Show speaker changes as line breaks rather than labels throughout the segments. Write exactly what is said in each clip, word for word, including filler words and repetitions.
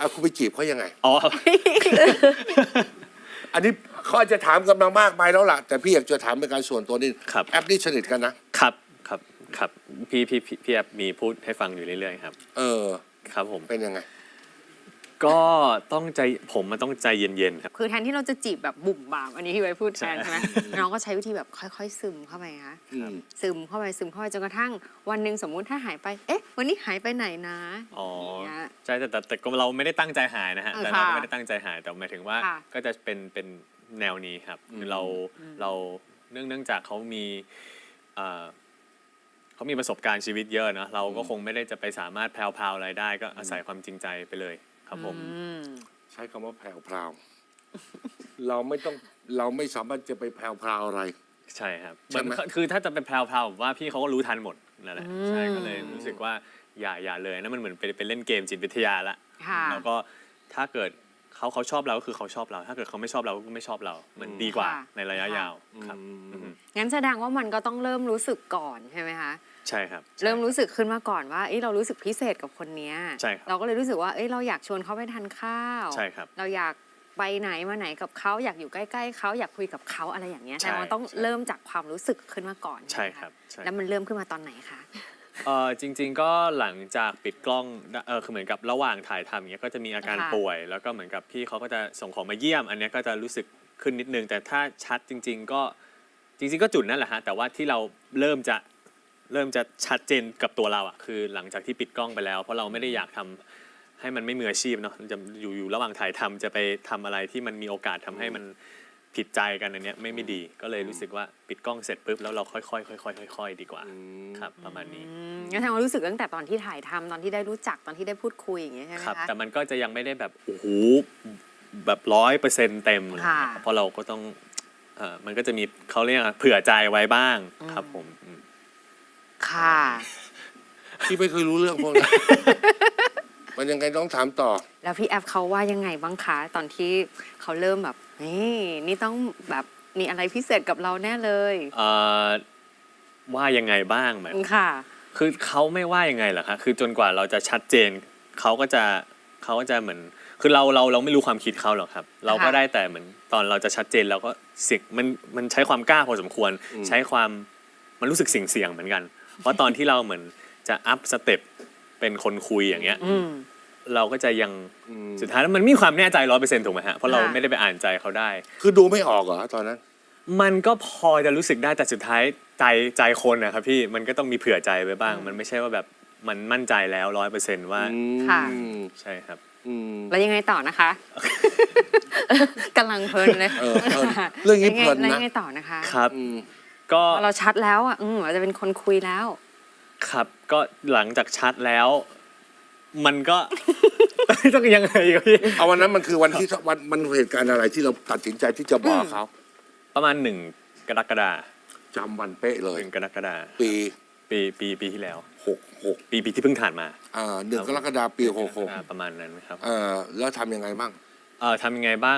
อ่ะคุณไปจีบเขายังไง
อ๋อ
อันนี้เขาอาจจะถามกำลังมากไปแล้วล่ะแต่พี่อยากจะถามเป็นการส่วนตัวนี่
ครับ
แอปนี่สนิทกันนะครับ
ครับครับพี่พี่พี่พี่แอบมีพูดให้ฟังอยู่เรื่อยๆครับ
เออ
ครับผม
เป็นยังไง
ก็ต้องใจผมมันต้องใจเย็นๆครับ
คือแทนที่เราจะจีบแบบบุ่มบามอันนี้ที่ไว้พูดแทนใช่ไหมน้องก็ใช้วิธีแบบค่อยๆซึมเข้าไปคะ
อืม
ซึมเข้าไปซึมเข้าไปจนกระทั่งวันหนึ่งสมมุติถ้าหายไปเอ๊ะวันนี้หายไปไหนนะ
อ๋อ
อย่างเงี้ย
ใช่แต่แต่แต่ก็เราไม่ได้ตั้งใจหายนะฮะ
เออ
แต่เราก็
ค่ะ
ไม่ได้ตั้งใจหายแต่หมายถึงว่า
ค่ะ
ก็จะเป็นเป็นแนวนี้ครับคือเราเราเนื่องเนื่องจากเขามีเอ่อเขามีประสบการณ์ชีวิตเยอะเนอะเราก็คงไม่ได้จะไปสามารถแพรวๆอะไรได้ก็อาศัยความจริงใจไปเลยครับผม
อืม
ใช้คำว่าแพรวพราวเราไม่ต้องเราไม่สามารถจะไปแพรวพราวอะไร
ใช่ครับ
ใช่ไหม
เหมือนคือถ้าจะเป็นแพรวๆผมว่าพี่เขาก็รู้ทันหมดนั่นแหละ
อืม
ใช่ก็เลยรู้สึกว่าอย่าอย่าเลยนั่นมันเหมือนไปไปเล่นเกมจิตวิทยาละ
ค่ะ
แล้วก็ถ้าเกิดเขาเขาชอบเราก็คือเขาชอบเรา ถ้าเกิดเขาไม่ชอบเราก็ไม่ชอบเราเหมือนดีกว่า
ค่ะ
ในระยะยาวครับ
อืม
อือฮึ
งั้นแสดงว่ามันก็ต้องเริ่มรู้สึกก่อนใช่ไหมคะ
ใช่ครับใช่
เริ่มรู้สึกขึ้นมาก่อนว่าเอ้ยเรารู้สึกพิเศษกับคนเนี้ย
ใช่ครับ
เราก็เลยรู้สึกว่าเอ้ยเราอยากชวนเขาไปทานข้าว
ใช่ครับ
เราอยากไปไหนมาไหนกับเขาอยากอยู่ใกล้ๆเขาอยากคุยกับเขาอะไรอย่างเงี้ย
ใช่
แต่มันต้อง
ใช่
เริ่มจากความรู้สึกขึ้นมาก่อน
ใช่
ไหมะ
ครับใช่
แล้วมันเริ่มขึ้นมาตอนไหนคะ
เออจริง ๆ ก็หลังจากปิดกล้องเออคือเหมือนกับระหว่างถ่ายทำอย่างเงี้ยก็จะมีอาการ
ค่ะ
ป่วย แล้วก็เหมือนกับพี่เขาก็จะส่งของมาเยี่ยม อันเนี้ยก็จะรู้สึกขึ้นนิดนึง แต่ถ้าชัดจริง ๆ ก็จริง ๆ ก็จุดนั่นแหละฮะแต่ว่าที่เราเริ่มจะเริ่มจะชัดเจนกับตัวเราอ่ะคือหลังจากที่ปิดกล้องไปแล้ว เพราะเราไม่ได้อยากทำให้มันไม่มืออาชีพเนาะจะอยู่อยู่ระหว่างถ่ายทำจะไปทำอะไรที่มันมีโอกาสทำให้มันผิดใจกันอันเนี้ยไม่ไม่ดีก็เลยรู้สึกว่าปิดกล้องเสร็จปุ๊บแล้วเราค่อยๆค่อยๆค่อยๆดีกว่าครับประมาณนี้
อืมงั้นแสดงว่ารู้สึกตั้งแต่ตอนที่ถ่ายทำตอนที่ได้รู้จักตอนที่ได้พูดคุยอย่างเงี้ยใช่ไหม
ครับ
คะ
แต่มันก็จะยังไม่ได้แบบโอ้โหแบบร้อยเปอร์เซ็นต์เต็มเลย
ค่ะ
เพราะเราก็ต้องเอ่อมันก็จะมีเขาเรียกอะไรเผื่อใจไว้บ้างครับผมอืม
ค่ะ
พี่ไม่เคยรู้เรื่องพวกนี้ มันยังไงต้องถามต่อ
แล้วพี่แอฟเขาว่ายังไงบ้างคะตอนที่เขาเริ่มแบบนี่นี่ต้องแบบมีอะไรพิเศษกับเราแน่เลย
เอ่อว่ายังไงบ้างไหม
ค่ะ
คือเขาไม่ว่ายังไงเหรอคะคือจนกว่าเราจะชัดเจนเขาก็จะเขาก็จะเหมือนคือเราเราเราไม่รู้ความคิดเขาหรอกครับ เราก็ได้แต่เหมือนตอนเราจะชัดเจนเราก็เสิมันมันใช้ความกล้าพอสมควร
อืม
ใช้ความมันรู้สึกเสี่ยงเสี่ยงๆเหมือนกัน เพราะตอนที่เราเหมือนจะอัพสเต็ปเป็นคนคุยอย่างเงี้ย
อืม
เราก็จะยัง
อืม
สุดท้ายแล้วมันมีความแน่ใจร้อยเปอร์เซ็นต์ถูกไหมฮะเพราะเรา
ค่ะ
ไม่ได้ไปอ่านใจเขาได้
คือดูไม่ออกเหรอตอนนั้น
มันก็พอจะรู้สึกได้แต่สุดท้ายใจใจคนนะครับพี่มันก็ต้องมีเผื่อใจไว้บ้าง มันไม่ใช่ว่าแบบมันมั่นใจแล้วร้อยเปอร์เซ็นต์ว่า
ค่ะ
อืม
ใช่ครับ
อืม
แล้วยังไงต่อนะคะกำลังเพลินเลย
เออเพลินเรื่องนี้เพลินนะ
แล้วยังไงต่อนะคะ
ครับ
อืม
ก็
พอเราชัดแล้วอ่ะอืมเราจะเป็นคนคุยแล้ว
ครับก็หลังจากชัดแล้ว มันก็ ต้องยังไงครับพี่
เอาวันนั้นมันคือวันที่วันมันเหตุการณ์อะไรที่เราตัดสินใจที่จะบอกเขา
ประมาณหนึ่งกรกฎา
จำวันเป๊ะเลย
หนึ่งกรกฎา
ปี
ปีปีปีที่แล้ว
หกหก
ปีปีที่เพิ่งผ่านมา
อ่าหนึ่งกรกฎาคมปีหกหก
อ่าประมาณนั้นครับ
เออแล้วทำยังไงบ้าง
เออทำยังไงบ้าง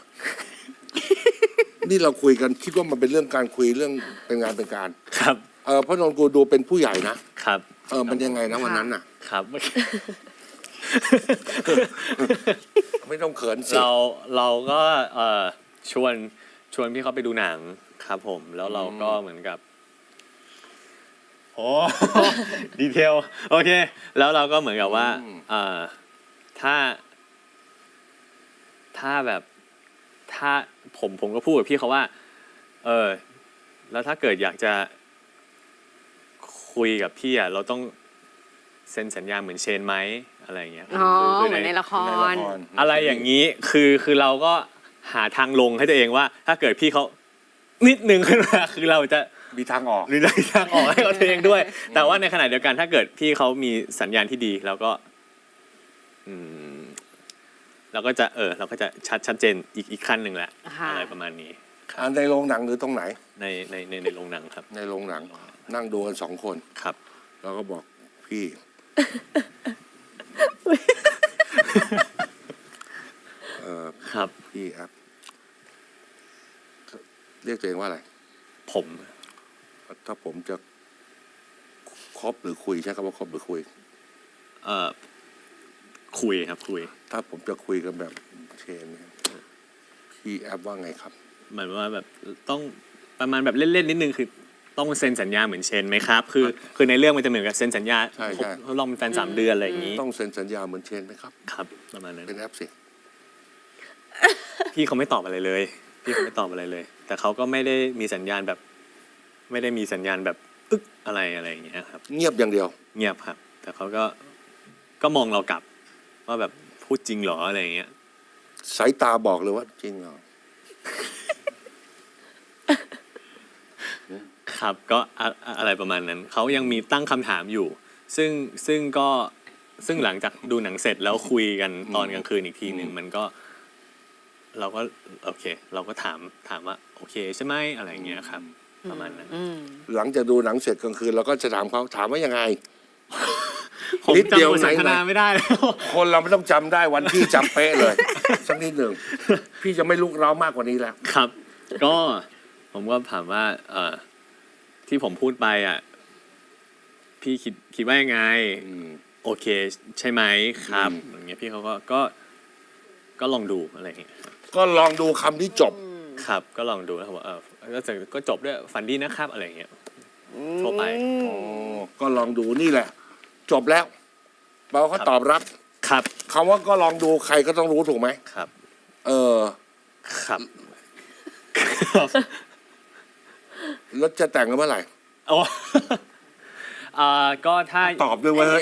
นี่เราคุยกันคิดว่ามันเป็นเรื่องการคุยเรื่องเป็นงานเป็นการ
ครับ
เออเพราะนนกูดูเป็นผู้ใหญ่นะครับ เออมันยังไงนะวันนั้นน่ะ
ครับ
ไม่ต้องเขินสิ
เราเราก็เอ่อชวนชวนพี่เขาไปดูหนังครับผม แล้วเราก็เหมือนกับโอ้ ดีเทลโอเค แล้วเราก็เหมือนกับว่าเอ่อถ้า ถ้าแบบถ้าผมผมก็พูดกับพี่เขาว่า เออ แล้วถ้าเกิดอยากจะคุยกับพี่อ่ะเราต้องเซ็นสัญญาเหมือนเชนไหมอะไรอย่างเงี้ย
อ๋อ
คื
เหมือนในละค
ใน
ร
ละคร
อะไรอย่างนี้คือคือเราก็หาทางลงให้ตัวเองว่า ถ้าเกิดพี่เขานิดนึงขึ้นมาคือเราจะ
มีทางออก
หรือได้ทางออกให้เขาตัวเองด้วย แต่ว่าในขณะเดียวกันถ้าเกิดพี่เขามีสัญญาณที่ดีเราก็อืมเราก็จะเออเราก็จะชัดชัดเจนอีกอีกขั้นหนึ่งแหละ
ค่ะ
อะไรประมาณนี้
อ่าในโรงหนังหรือตรงไหน
ในในในในโรงหนังครับ
ในโรงหนัง นั่งดูกันสองคน
ครับ
แล้วก็บอกพี่ เออ
ครับ
พี่ครับ เรียกตัวเองว่าอะไร
ผม
ถ้าผมจะคบหรือคุยใช้คำว่าคบหรือคุย
เอ่อคุยครับคุย
ถ้าผมจะคุยกันแบบเชนเนี่ยพี่แอฟว่าไงครับ
เหมือนว่าแบบต้องประมาณแบบเล่นๆนิดนึงคือต้องเซ็นสัญญาเหมือนเชนไหมครับคือคือในเรื่องมันจะเหมือนกับเซ็นสัญญา
ใช่ใช่
ทดลองเป็นแฟนสามเดือนอะไรอย่างนี้
ต้องเซ็นสัญญาเหมือนเชนไหมครับ
ครับประมาณนั้น
เป็นแอฟสิ
พี่เขาไม่ตอบอะไรเลย พี่เขาไม่ตอบอะไรเลย แต่เขาก็ไม่ได้มีสัญญาณแบบ ไม่ได้มีสัญญาณแบบอึ๊กอะไรอะไรอย่างเงี้ยครับ
เงียบอย่างเดียว
เงียบครับ แต่เขาก็ก็มองเรากลับ ว่าแบบพูดจริงเหรออะไรอย่างเงี้ย
สายตาบอกเลยว่าจริงเหรอ
ครับก็อะอะอะไรประมาณนั้น เขายังมีตั้งคำถามอยู่ ซึ่งซึ่งก็ซึ่งหลังจากดูหนังเสร็จแล้วคุยกันตอนกลางคืนอีกทีหนึ่ง
อืม
มันก็ เราก็โอเค เราก็ถามถามว่า โอเคใช่ไหมอะไรอย่างเงี้ยครับ ประมาณนั้น
อืม
หลังจากดูหนังเสร็จกลางคืนเราก็จะถามเขาถามว่ายังไง
ผม
นิดเดี
จำ
ยว
บทสนทนา
ไหนๆ
ไม่ได้แล้ว
คนเราไม่ต้องจำได้วันที่จำเป๊ะเลย สักนิดหนึ่งพี่จะไม่ลุกเร้ามากกว่านี้แล้ว
ครับ ก็ผมก็ถามว่า เอ่อที่ผมพูดไปอ่ะ พี่คิดคิดว่ายังไง
อืม
โอเค ใช่ไหมครับ
อืม
อย่างเงี้ยพี่เขาก็ก็ก็ลองดูอะไรอย่างเงี้ย
ก็ลองดูคำที่จบ
ครับ ก็ลองดูแล้วเขาบอกเออก็จะก็จบด้วยฝันดีนะครับอะไรอย่างเงี้ยทั่วไป
อ๋อ ก็ลองดูนี่แหละ จบแล้วแปลว่าเขาตอบรับ
ครับ
คำว่าก็ลองดูใครก็ต้องรู้ถูกไหม
ครับ
เออ
ครับครับ
แล้วจะแต่งกันเมื่อไหร่
โอ้ อ่าก็ถ้า
ตอบด้วยเว้ย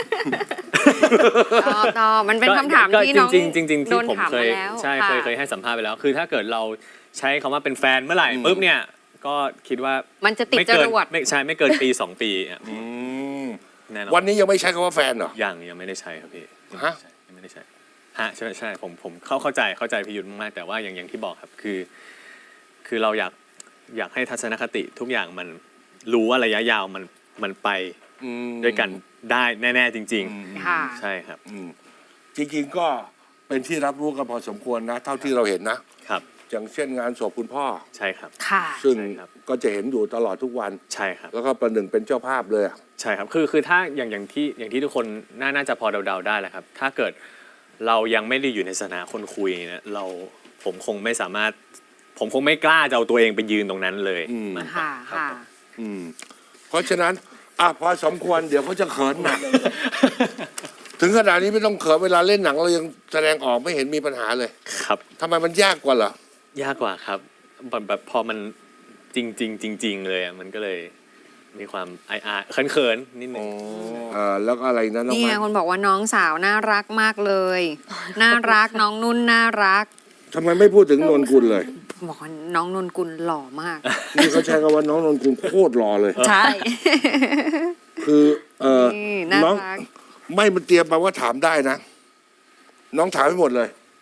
ตอบตอบมันเป็นคำถาม
ก็
ที่น้อง
จริงๆจริงๆ
โด
ที่
น
ผม
ถาม
เคย
มาแล้ว
ใช่
ค่ะ
เคยเคยให้สัมภาษณ์ไปแล้ว คือถ้าเกิดเราใช้คำว่าเป็นแฟนเมื่อไหร่
อืม
ปุ๊บเนี่ย ก็คิดว่า
มันจะติด
ไม่
จ
เกิน
รวด
ไม่ใช่ไม่เกินปีสองปีอ่ะ
อืม
แน่นอ
วัน
น
นี้ยังไม่ใช้คำว่าแฟนเหรอ
ยังยังไม่ได้ใช้ครับพี่
ฮะ
ยังไม่ได้ใช้ฮะใช่ใช่ผมผมเข้าเข้าใจเข้าใจพี่ยุทธมากๆแต่ว่าอย่างอย่างที่บอกครับคือ คือเราอยากอยากให้ทัศนคติทุกอย่างมันรู้ว่าระยะยาวมันมันไป
อืม
ด้วยกันได้แน่ๆจริง
อืม
ค่ะ
ๆ ใช่ครับ
อืมจริงๆก็เป็นที่รับรู้กันพอสมควรนะ เท่าที่เราเห็นนะ
ครับ
อย่างเช่นงานศพคุณพ่อ
ใช่ครับ
ค่ะ
ซึ่ง
ใช่ครับ
ก็จะเห็นอยู่ตลอดทุกวัน
ใช่ครับ
แล้วก็ประหนึ่งเป็นเจ้าภาพเลยอะ
ใช่ครับ คือ คือ ถ้า อย่าง อย่างที่ อย่างที่ทุกคน น่า น่าจะพอเดา ๆ ได้แหละครับ ถ้าเกิดเรายังไม่ได้อยู่ในสถานะคนคุยเนี่ย เรา ผมคงไม่สามารถ ผมคงไม่กล้าจะเอาตัวเองไปยืนตรงนั้นเลย
อืม
มากกว่า
ค่ะ
รับ
ค่ะ
ผม
อืม เพราะฉะนั้นอ่ะพอสมควรเดี๋ยวเขาจะเขินหนัก ถึงขนาดนี้ไม่ต้องเขินเวลาเล่นหนังเรายังแสดงออกไม่เห็นมีปัญหาเลย
ครับ
ทำไมมันยากกว่าเหรอ
ยากกว่าครับ แบบแบบพอมันจริงจริงจริง ๆ เลยอ่ะ มันก็เลยมีความอายๆเขินๆนิดนึง
เออแล้วก็อะไรนะน้อง
นี่ไง
มัน
คนบอกว่าน้องสาวน่ารักมากเลย น่ารักน้องนุ่นน่ารัก
ทำไมไม่พูดถึงนนกุลเลย
บอกว่าน้องนนกุลหล่อมาก
นี่เขาใช้คำว่าน้องนนกุลโคตรหล่อเลย
ใช่
คือเออ
นี่น่า
น้อง
รัก
ไม่มันเตรียมมาว่าถามได้นะ น้องถามให้หมดเลย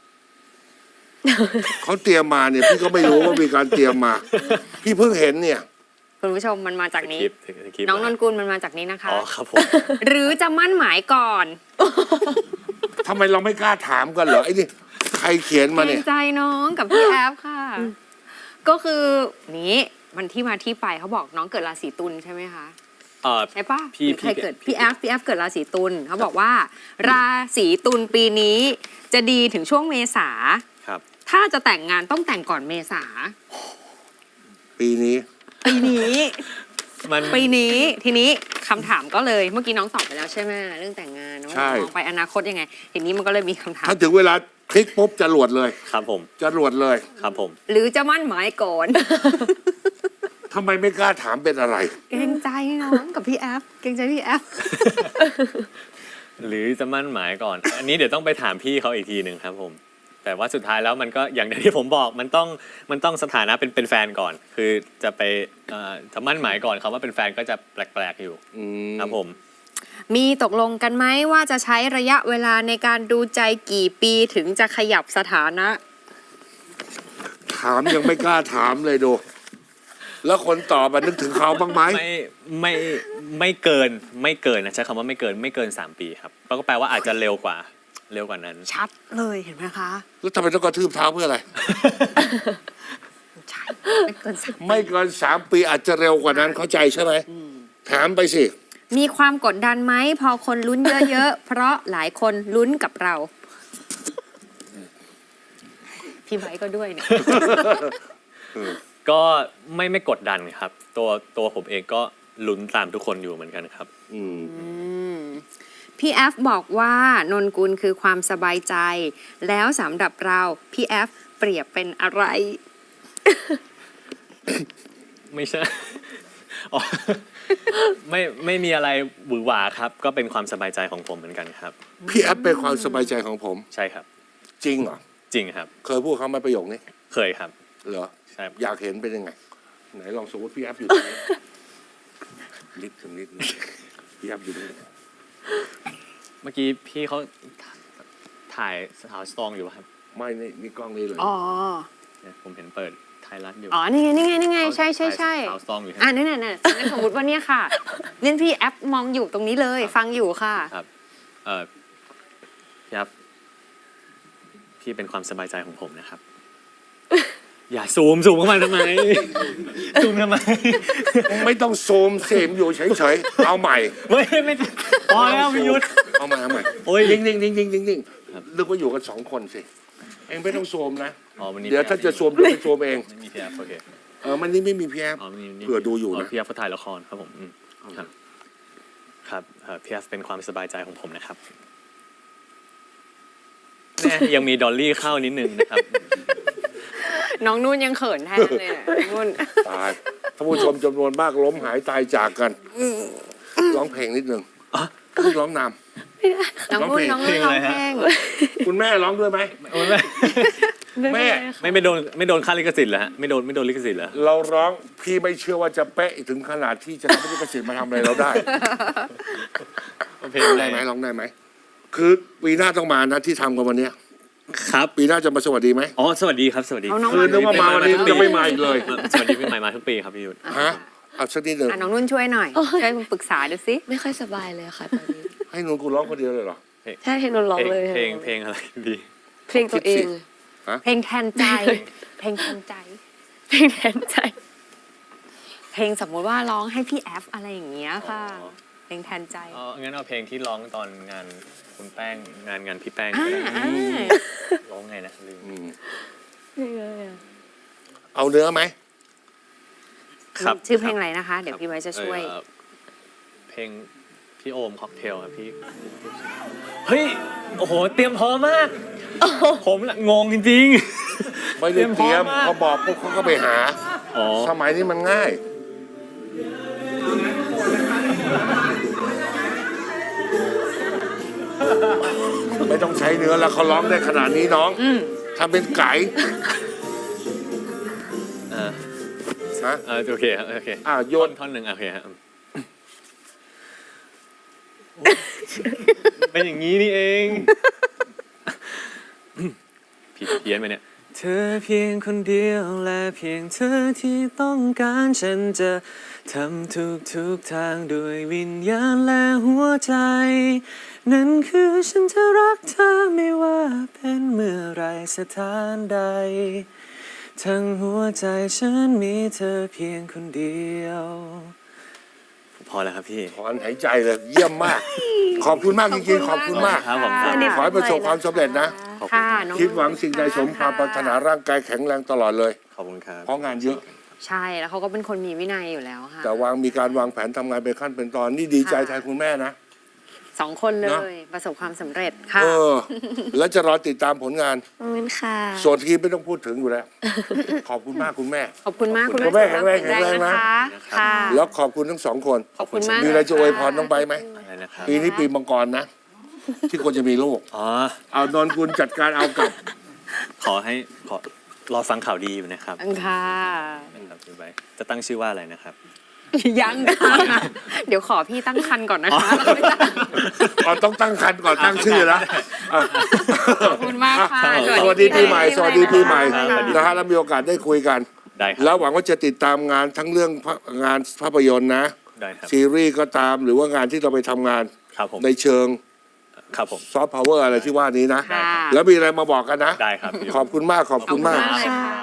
เขาเตรียมมาเนี่ย พี่ก็ไม่รู้ว่ามีการเตรียมมา พี่เพิ่งเห็นเนี่ย
คุณผู้ชมมันมาจากนี้
คลิปคลิป
น้องนนกุลมันมาจากนี้นะคะ
อ๋อครับผม
หรือจะมั่นหมายก่อน
ทำไมเราไม่กล้าถามกันเหรอไอ้นี่ใครเขียน
เก
มา
ร
เนี่
ง
ย
ใจน้องกับพี่แอฟค่ะ ก็คือนี้มันที่มาที่ไปเขาบอกน้องเกิดราศีตุลใช่ไหมคะ
เอ่อ
ใช่ปะ
พี่
หรือใคร
พี่
เกิดพี่แอฟพี่แอฟเกิดราศีตุลเขาบอกว่า ราศีตุลปีนี้จะดีถึงช่วงเมษา
ครับ
ถ้าจะแต่งงานต้องแต่งก่อนเมษา
ปีนี้
ปีนี้
มัน
ปีนี้ทีนี้คำถามก็เลยเมื่อกี้น้องตอบไปแล้วใช่ไหมเรื่องแต่งงานว่า
ใช่
มองไปอนาคตยังไงทีนี้มันก็เลยมีคำถาม
ถ้าถึงเวลาคลิกปุ๊บจะรวดเลย
ครับผม
จะรวดเลย
ครับผม
หรือจะมั่นหมายก่อน
ทำไมไม่กล้าถามเป็นอะไร
เกรงใจน้องกับพี่แอฟเกรงใจพี่แอฟ
หรือจะมั่นหมายก่อน อันนี้เดี๋ยวต้องไปถามพี่เขาอีกทีหนึ่งครับผม แต่ว่าสุดท้ายแล้วมันก็อย่างที่ผมบอกมันต้องมันต้องสถานะเป็นเป็นแฟนก่อน คือจะไปเอ่อจะมั่นหมายก่อนคำว่าเป็นแฟนก็จะแปลกๆอยู่
อืม
ครับผม
มีตกลงกันไหมว่าจะใช้ระยะเวลาในการดูใจกี่ปีถึงจะขยับสถานะ
ถามยังไม่กล้าถามเลยดู แล้วคนตอบอะนึกถึงเขาบ้างไหม
ไม่ไม่ไม่เกินไม่เกินนะใช้คำว่าไม่เกินไม่เกินสามปีครับก็แปลว่าอาจจะเร็วกว่าเร็วกว่านั้น
ชัดเลยเห็นไหมคะ
แล้วทำไมต้องกระทืบเท้าเพื่ออะไร
ใช่ไม่เกินสัก
ไม่เกินสามปีอาจจะเร็วกว่านั้นเข้าใจใช่ไหมถามไปสิ
มีความกดดันไหมพอคนลุ้นเยอะๆ เพราะหลายคนลุ้นกับเรา พี่ไบร์ทก็ด้วยเนี่ย
ก็ไม่ไม่กดดันครับ ตัวตัวผมเองก็ลุ้นตามทุกคนอยู่เหมือนกันครับ
อืม
อืมพี่แอฟบอกว่านนกุลคือความสบายใจ แล้วสำหรับเราพี่แอฟเปรียบเป็นอะไร
ไม่ใช่ อ๋อไม่ไม่มีอะไรหวือหวาครับ ก็เป็นความสบายใจของผมเหมือนกันครับ
พี่แอฟเป็นความสบายใจของผม
ใช่ครับ
จริงเหรอ
จริงครับ
เคยพูดเขาไหมาประโยคนี้
เคยครับ
เหรอ
ใช่
อยากเห็นเป็นยังไง ไหนลองสมมติพี่แอฟอยู่ตรงนี้ นิดถึงนิดนึงพี่แอฟอยู่ตรงนี้
เมื่อกี้พี่เขาถ่ายสาวสตรองอยู่ครับ
ไม่นี่นี่กล้องนี้เลย
อ๋อ
เนี่ยผมเห็นเปิดไทยรัฐอยู่
อ๋อ นี่ไง นี่ไง นี่ไง ใช่ใช่ใช่
สาวสตรองอยู่ครับ
อ่านั่นน่ะนั่นนั่นสมมติว่าเนี่ยค่ะเล่นพี่แอปมองอยู่ตรงนี้เลย ฟังอยู่ค่ะ
ครับ เออพี่ครับพี่เป็นความสบายใจของผมนะครับ อย่าซูมซูมเข้ามาทำไม ซูมทำไม
ไม่ต้องโซมเสมอยู่เฉยๆ เอาใหม่
ไม่ไม่พอแล้วพี่ยุทธ
เอาใหม่เอาใหม่
โอ้ย
นิ่งนิ่งนิ่งนิ่งนิ่งนิ่ง
ครับ
นึกว่าอยู่กันสองคนสิ เองไม่ต้องโซมนะ
อ๋อวันนี้
เดี๋ยวถ้าจะโซมเดี๋ยวไปโซมเอง
ไม่มีพี่แอฟโอเค
เออมันนี่ไม่มีพี่แอฟ
อ๋อวันนี้
เผื่อดูอยู่นะ
พี่แอฟเขาถ่ายละครครับผมอืมครับครับเอ่อพี่แอฟเป็นความสบายใจของผมนะครับแน่ยังมีดอลลี่เข้านิดนึงนะครับ
น้องนุ่นยังเขินแทนเลยอะนุ่น
ตายท่านผู้ชมจำนวนมากล้มหายตายจากกัน ร้องเพลงนิดนึงร้องน
น้องนุ่นน้องนุ่นร้องเพลง
ำคุณแม่ร้องด้วยไหม แม่
ไม่ไม่โดนไม่โดนค่าลิขสิทธิ์เหรอฮะไม่โดนไม่โดนลิขสิทธิ์เหรอ
เราร้องพี่ไม่เชื่อว่าจะเป๊ะถึงขนาดที่จะทำให้ลิขสิทธิ์มาทำอะไรเราได้
เพลง
ร้อง
อะไร
ได้ไหมร้องได้ไหม คือปีหน้าต้องมานะที่ทำกันวันเนี้ย
ครับ
ปีหน้าจะมาสวัสดีไหม
อ๋อสวัสดีครับสวัสดี
เอาน้อง
คือนึกว่ามาวันนี้จะไม่มาอีกเลย
สวัสดีปีใหม่มาทุกปีครับพี่ยุทธ
ฮะ เอาสักนิดหนึ่ง
อ่ะน้องนุ่นช่วยหน่อย ช่วยปรึกษาดูสิ
ไม่ค่อยสบายเลยค่ะตอนนี้
ให้หนูกูร้องคนเดียวเลยเหรอ
ใช่เพลงนนร้องเลย
เพลงเพลงอะไรดี
เพลงตัวเอง
เพลงแทนใจ เพลงแทนใจ
เพลงแทนใจ
เพลงสมมุติว่าร้องให้พี่แอฟอะไรอย่างเงี้ยค่ะ
อ๋อ
เพลงแทนใจ
อ๋องั้นเอาเพลงที่ร้องตอนงานคุณแป้งงานงานพี่แป้ง
อ่า
ก็ได้
อ่า
ร้องไงนะลืม
อืม
ไม่เลยอะ
เอาเนื้อไหม
ครับ
ชื่อเพลงอะไรนะคะ เดี๋ยวพี่ไว้จะช่วย
เอ่อเพลงพี่โอมค็อกเทลครับพี่เฮ้ยโอ้โหเตรียมพร้อมมากผมละงงจริงๆ
ไม่ได้เตรียม
พร้อมมาก
เขาบอกปุ๊บเขาก็ไปหา
อ๋อ
สมัยนี้มันง่าย ไม่ต้องใช้เนื้อแล้วเขาร้องได้ขนาดนี้น้อง
อืม
ทำเป็นไก่
เออ
ฮะ
เออโอเคครับโอเค
อ่าโย
ท่อน
น
ท่อนหนึ่งโอเคครับเป็นอย่างนี้นี่เอง ผิดเพี้ยนไปเนี่ย เธอเพียงคนเดียวและเพียงเธอที่ต้องการฉันจะทำทุกทุกๆทางด้วยวิญญาณและหัวใจ นั่นคือฉันจะรักเธอไม่ว่าเป็นเมื่อไรสถานใด ทั้งหัวใจฉันมีเธอเพียงคนเดียว พอแล้วครับพี่
ถอนหายใจเลย เยี่ยมมาก ขอบคุณมากจริงๆ ขอบคุณมาก
ครับผมครับ
ขอให้ประสบความสำเร็จนะ
ค่ะน้อง
คิดหวังสิ่งใดสมความปรารถนาร่างกายแข็งแรงตลอดเลย
ขอบคุณครับ
เพราะงานเยอะ
ใช่แล้วเขาก็เป็นคนมีวินัยอยู่แล้วค่ะ
แต่วางมีการวางแผนทำงานเป็นขั้นเป็นตอน นี่ดีใจแทนคุณแม่นะ
สองคนเล
เนอะ
ย ประสบความสำเร็จค่ะ
เออ แล้วจะรอติดตามผลงาน
ขอบคุณค่ะ
ส่วนทีมไม่ต้องพูดถึงอยู่แล้ว ขอบคุณมากคุณแม่
ขอบคุณมาก
คุณแม่แข็งแรงแข็งแรงนะ
นะคะค่ะ
แล้วขอบคุณทั้งสองคน
ขอบคุณมาก
มีอะไรจะอวยพรน้องใบร์ทไหม
อะไรนะครับ
ปีนี้ปีมังกรนะ ที่ควรจะมีลูก
อ๋อ
เอานนกุลจัดการเอากลับ
ขอให้ขอรอฟังข่าวดีอยู่นะครับ
ค่ะ
นะครับพี่ใบร์ทจะตั้งชื่อว่าอะไรนะครับ
ยังค่ะ เดี๋ยวขอพี่ตั้งคันก่อนนะคะ
อ๋อต้องตั้งคันก่อนตั้งชื่อแล้วอ่ะ
ขอบคุณมากค่ะ
สวัสดีปีใหม่ สวัสดีปีใหม่
ครับสวัสดี
นะฮะแล้วมีโอกาสได้คุยกัน
ได้ค
แล้
รับ
วหวังว่าจะติดตามงานทั้งเรื่องภาพงานภาพยนตร์นะ
ได้ครับ
ซีรีส์ก็ตามหรือว่างานที่เราไปทำงาน
ครับผม
ในเชิง
ครับผม
ซอฟต์พาวเวอร์อะไรที่ว่านี้นะ
ค่ะ
แล้วมีอะไรมาบอกกันนะ
ได้ครับพี่
ขอบคุณมากขอบคุณมาก
เลยค่ะ